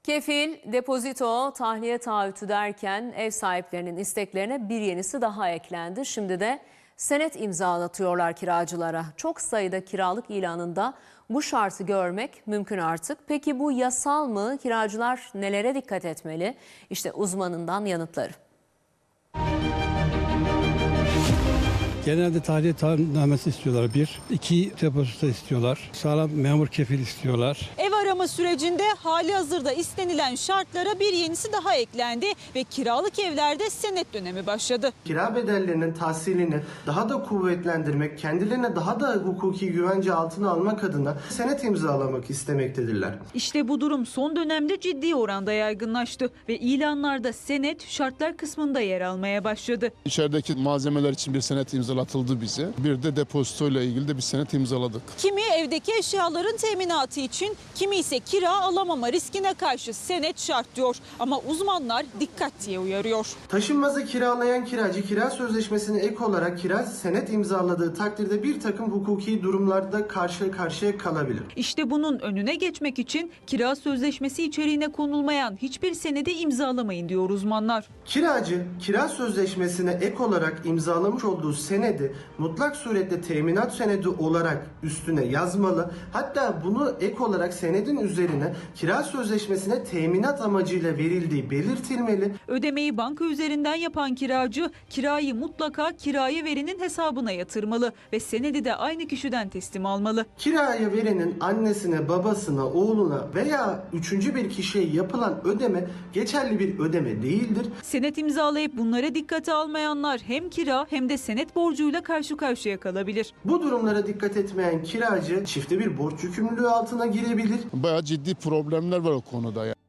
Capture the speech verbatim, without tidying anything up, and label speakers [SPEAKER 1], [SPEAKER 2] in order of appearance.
[SPEAKER 1] Kefil, depozito, tahliye taahhütü derken ev sahiplerinin isteklerine bir yenisi daha eklendi. Şimdi de senet imzalatıyorlar kiracılara. Çok sayıda kiralık ilanında bu şartı görmek mümkün artık. Peki bu yasal mı? Kiracılar nelere dikkat etmeli? İşte uzmanından yanıtları.
[SPEAKER 2] Genelde tahliye taahhütnamesi istiyorlar bir. iki depozito istiyorlar. Sağlam memur kefil istiyorlar.
[SPEAKER 3] Ev arama sürecinde hali hazırda istenilen şartlara bir yenisi daha eklendi ve kiralık evlerde senet dönemi başladı.
[SPEAKER 4] Kira bedellerinin tahsilini daha da kuvvetlendirmek, kendilerine daha da hukuki güvence altına almak adına senet imzalamak istemektedirler.
[SPEAKER 3] İşte bu durum son dönemde ciddi oranda yaygınlaştı ve ilanlarda senet şartlar kısmında yer almaya başladı.
[SPEAKER 5] İçerideki malzemeler için bir senet imzalatıldı bize. Bir de depozitoyla ilgili de bir senet imzaladık.
[SPEAKER 3] Kimi evdeki eşyaların teminatı için, kimi ise kira alamama riskine karşı senet şart diyor. Ama uzmanlar dikkat diye uyarıyor.
[SPEAKER 4] Taşınmazı kiralayan kiracı kira sözleşmesine ek olarak kira senet imzaladığı takdirde bir takım hukuki durumlarda karşı karşıya kalabilir.
[SPEAKER 3] İşte bunun önüne geçmek için kira sözleşmesi içeriğine konulmayan hiçbir senedi imzalamayın diyor uzmanlar.
[SPEAKER 4] Kiracı kira sözleşmesine ek olarak imzalamış olduğu senedi mutlak surette teminat senedi olarak üstüne yazmalı. Hatta bunu ek olarak senedin üzerine kira sözleşmesine teminat amacıyla verildiği belirtilmeli.
[SPEAKER 3] Ödemeyi banka üzerinden yapan kiracı kirayı mutlaka kiraya verenin hesabına yatırmalı ve senedi de aynı kişiden teslim almalı.
[SPEAKER 4] Kiraya verenin annesine, babasına, oğluna veya üçüncü bir kişiye yapılan ödeme geçerli bir ödeme değildir.
[SPEAKER 3] Senet imzalayıp bunlara dikkate almayanlar hem kira hem de senet borcuyla karşı karşıya kalabilir.
[SPEAKER 4] Bu durumlara dikkat etmeyen kiracı çifte bir borç yükümlülüğü altına girebilir.
[SPEAKER 5] Bayağı ciddi problemler var o konuda.